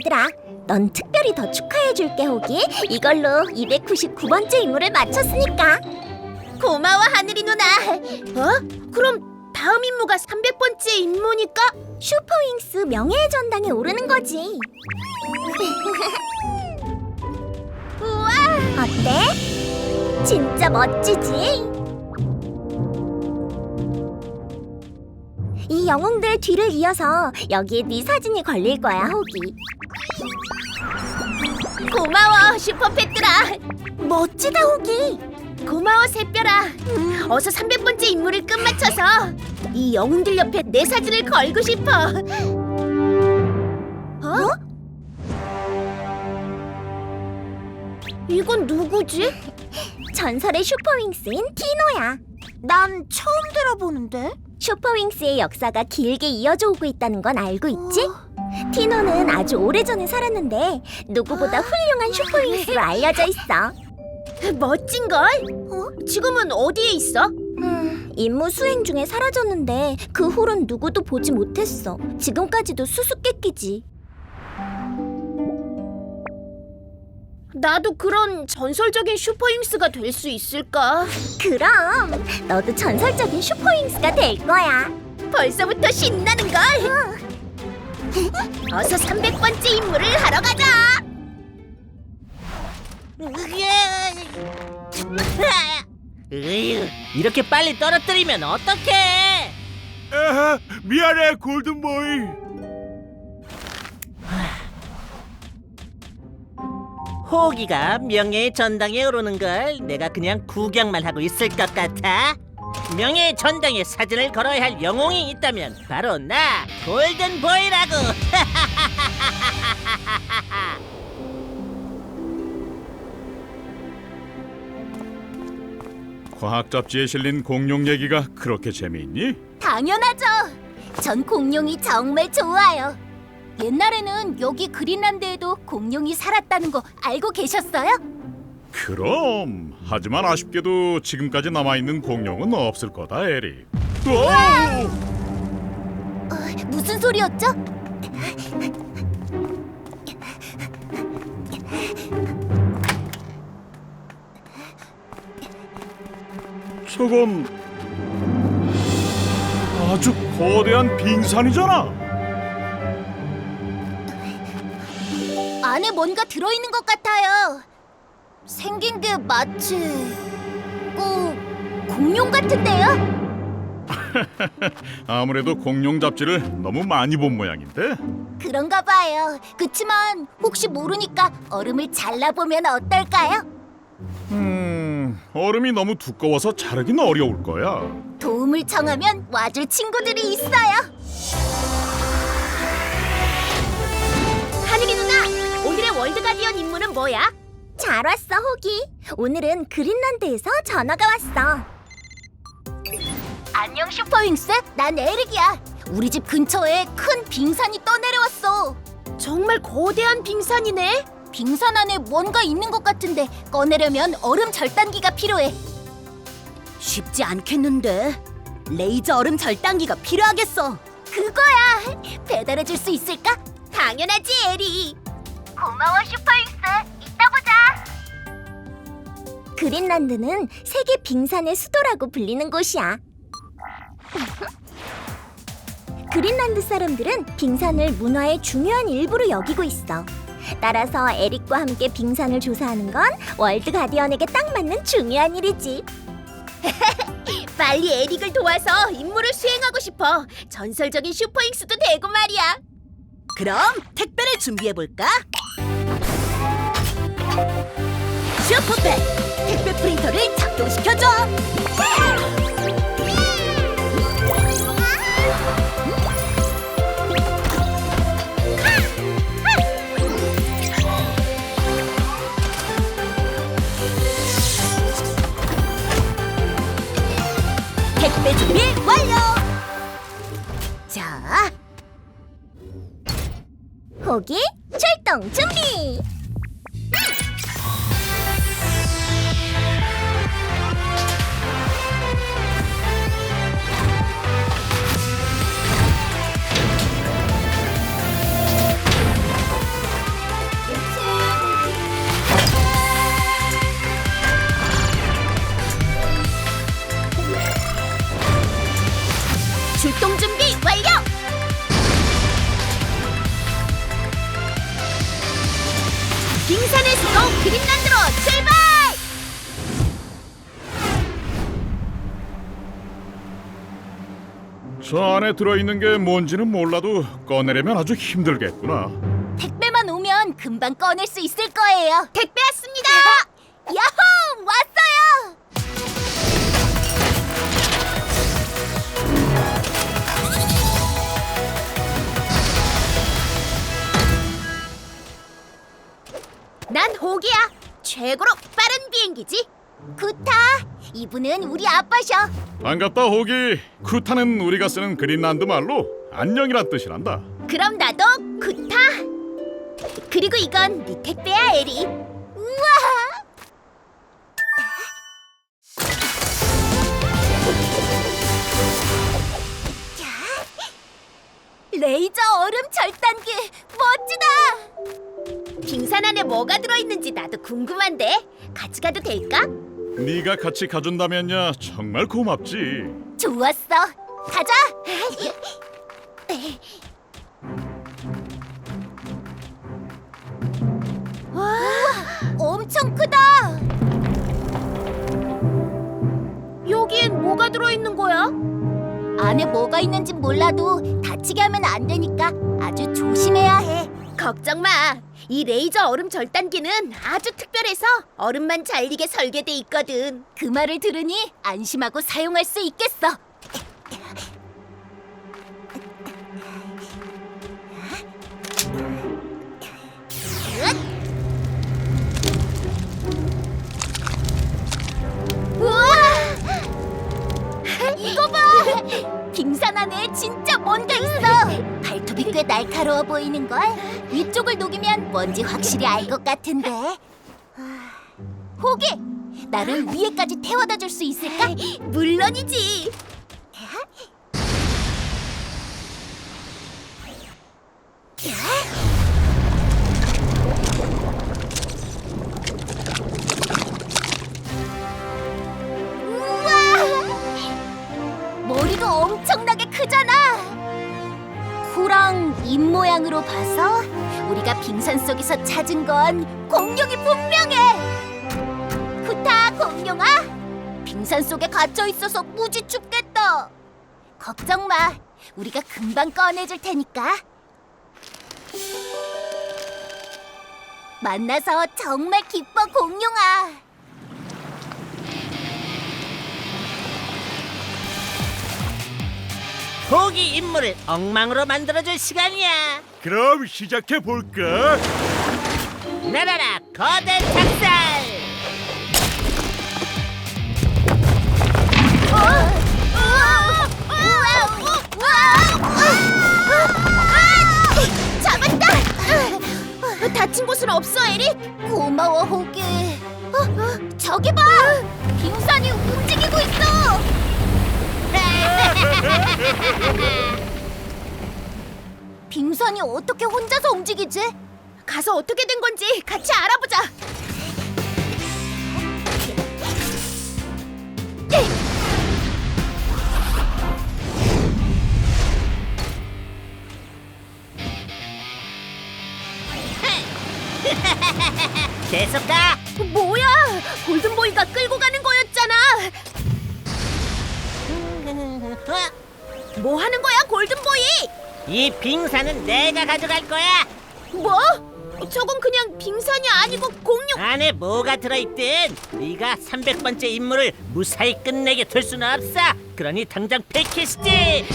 얘들아, 넌 특별히 더 축하해줄게, 호기. 이걸로 299번째 임무를 마쳤으니까. 고마워, 하늘이 누나. 그럼 다음 임무가 300번째 임무니까? 슈퍼윙스 명예의 전당에 오르는 거지. 우와! 어때? 진짜 멋지지? 이 영웅들 뒤를 이어서 여기에 네 사진이 걸릴 거야, 호기. 고마워, 슈퍼패트라. 멋지다, 호기. 고마워, 새별아. 어서 300번째 임무를 끝마쳐서 이 영웅들 옆에 내 사진을 걸고 싶어. 이건 누구지? 전설의 슈퍼윙스인 티노야. 난 처음 들어보는데. 슈퍼윙스의 역사가 길게 이어져 오고 있다는 건 알고 있지? 티노는 아주 오래전에 살았는데 누구보다 훌륭한 슈퍼윙스로 알려져 있어. 멋진걸? 지금은 어디에 있어? 임무 수행 중에 사라졌는데 그 후론 누구도 보지 못했어. 지금까지도 수수께끼지. 나도 그런 전설적인 슈퍼윙스가 될 수 있을까? 그럼 너도 전설적인 슈퍼윙스가 될 거야. 벌써부터 신나는걸? 어서 300번째 임무를 하러 가자! 이렇게 빨리 떨어뜨리면 어떡해? 미안해 골든보이. 호기가 명예의 전당에 오르는 걸 내가 그냥 구경만 하고 있을 것 같아? 명예의 전당에 사진을 걸어야 할 영웅이 있다면 바로 나 골든보이라고. 과학 잡지에 실린 공룡 얘기가 그렇게 재미있니? 당연하죠. 전 공룡이 정말 좋아요. 옛날에는 여기 그린란드에도 공룡이 살았다는 거 알고 계셨어요? 그럼. 하지만 아쉽게도 지금까지 남아있는 공룡은 없을 거다, 에릭. 무슨 소리였죠? 저건 아주 거대한 빙산이잖아. 안에 뭔가 들어있는 것 같아요. 생긴 게 마치 공룡 같은데요? 아무래도 공룡 잡지를 너무 많이 본 모양인데. 그런가 봐요. 그치만 혹시 모르니까 얼음을 잘라보면 어떨까요? 얼음이 너무 두꺼워서 자르긴 어려울 거야. 도움을 청하면 와줄 친구들이 있어요. 하늘이 누나, 오늘의 월드 가디언 임무는 뭐야? 잘 왔어, 호기. 오늘은 그린란드에서 전화가 왔어. 안녕, 슈퍼윙스. 난 에릭이야. 우리 집 근처에 큰 빙산이 떠내려왔어. 정말 거대한 빙산이네. 빙산 안에 뭔가 있는 것 같은데 꺼내려면 얼음 절단기가 필요해. 쉽지 않겠는데. 레이저 얼음 절단기가 필요하겠어. 그거야. 배달해줄 수 있을까? 당연하지, 에리. 고마워, 슈퍼윙스. 이따 보자. 그린란드는 세계 빙산의 수도라고 불리는 곳이야. 그린란드 사람들은 빙산을 문화의 중요한 일부로 여기고 있어. 따라서 에릭과 함께 빙산을 조사하는 건 월드 가디언에게 딱 맞는 중요한 일이지. 빨리 에릭을 도와서 임무를 수행하고 싶어. 전설적인 슈퍼윙스도 되고 말이야. 그럼 택배를 준비해볼까? 슈퍼팩! 택배 프린터를 작동시켜줘! 택배 준비 완료! 자, 호기, 출동 준비! 빙산의 수도 그린란드로 출발! 저 안에 들어있는 게 뭔지는 몰라도 꺼내려면 아주 힘들겠구나. 택배만 오면 금방 꺼낼 수 있을 거예요. 택배 왔습니다! 야호! 왔어요! 난 호기야. 최고로 빠른 비행기지. 구타! 이분은 우리 아빠셔. 반갑다 호기. 쿠타는 우리가 쓰는 그린란드 말로 안녕이란 뜻이란다. 그럼 나도 구타. 그리고 이건 네 택배야, 에리. 우와! 레이저 얼음 절단기 멋지다! 빙산 안에 뭐가 들어있는지 나도 궁금한데 같이 가도 될까? 네가 같이 가준다면야 정말 고맙지. 좋았어. 가자. 와, 엄청 크다. 여기엔 뭐가 들어있는 거야? 안에 뭐가 있는지 몰라도 다치게 하면 안 되니까 아주 조심해야 해. 걱정 마. 이 레이저 얼음 절단기는 아주 특별해서 얼음만 잘리게 설계돼 있거든. 그 말을 들으니 안심하고 사용할 수 있겠어. 우와! 이거 봐! 빙산 안에 진짜 뭔가 있어. 발톱이 꽤 날카로워 보이는 걸. 위쪽을 녹이면 뭔지 확실히 알 것 같은데. 호기, 나를 위에까지 태워다 줄 수 있을까? 물론이지. 우와! 머리도 엄청나게 크잖아. 코랑 입 모양으로 봐서 우리가 빙산 속에서 찾은 건 공룡이 분명해. 구타, 공룡아, 빙산 속에 갇혀 있어서 무지 춥겠다. 걱정 마, 우리가 금방 꺼내줄 테니까. 만나서 정말 기뻐, 공룡아. 호기 임무를 엉망으로 만들어줄 시간이야. 그럼 시작해 볼까? 날아라 거대 작살. 잡았다. 다친 곳은 없어, 에리? 고마워, 호기. 저기 봐! 빙산이 움직이고 있어! 빙산이 어떻게 혼자서 움직이지? 가서 어떻게 된 건지 같이 알아보자. 계속 가. 뭐야? 골든보이가 끌고 가는 거였잖아. 뭐 하는 거야, 골든보이? 이 빙산은 내가 가져갈 거야. 뭐? 저건 그냥 빙산이 아니고 공룡. 안에 뭐가 들어있든 네가 300번째 임무를 무사히 끝내게 둘 수는 없어. 그러니 당장 패키시지.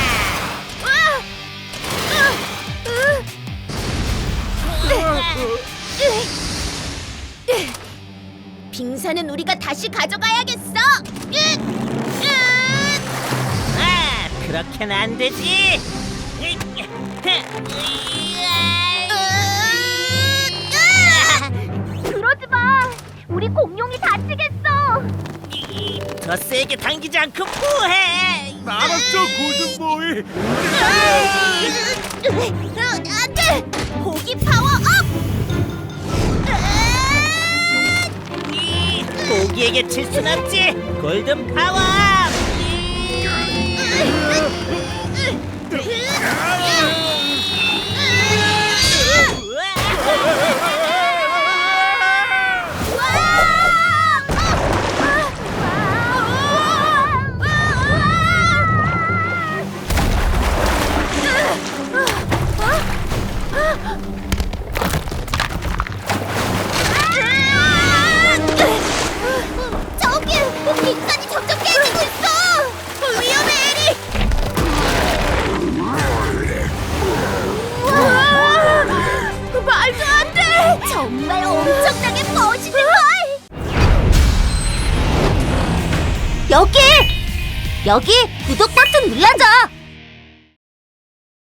빙산은 우리가 다시 가져가야겠어. 그렇게는 안 되지. 그러지 마! 우리 공룡이 다치겠어! 더 세게 당기지 않고 뭐해? 알았어, 골든보이. 안 돼! 호기 파워 업! 고기에게 칠 순 없지. 골든 파워. 여기 구독 버튼 눌러줘.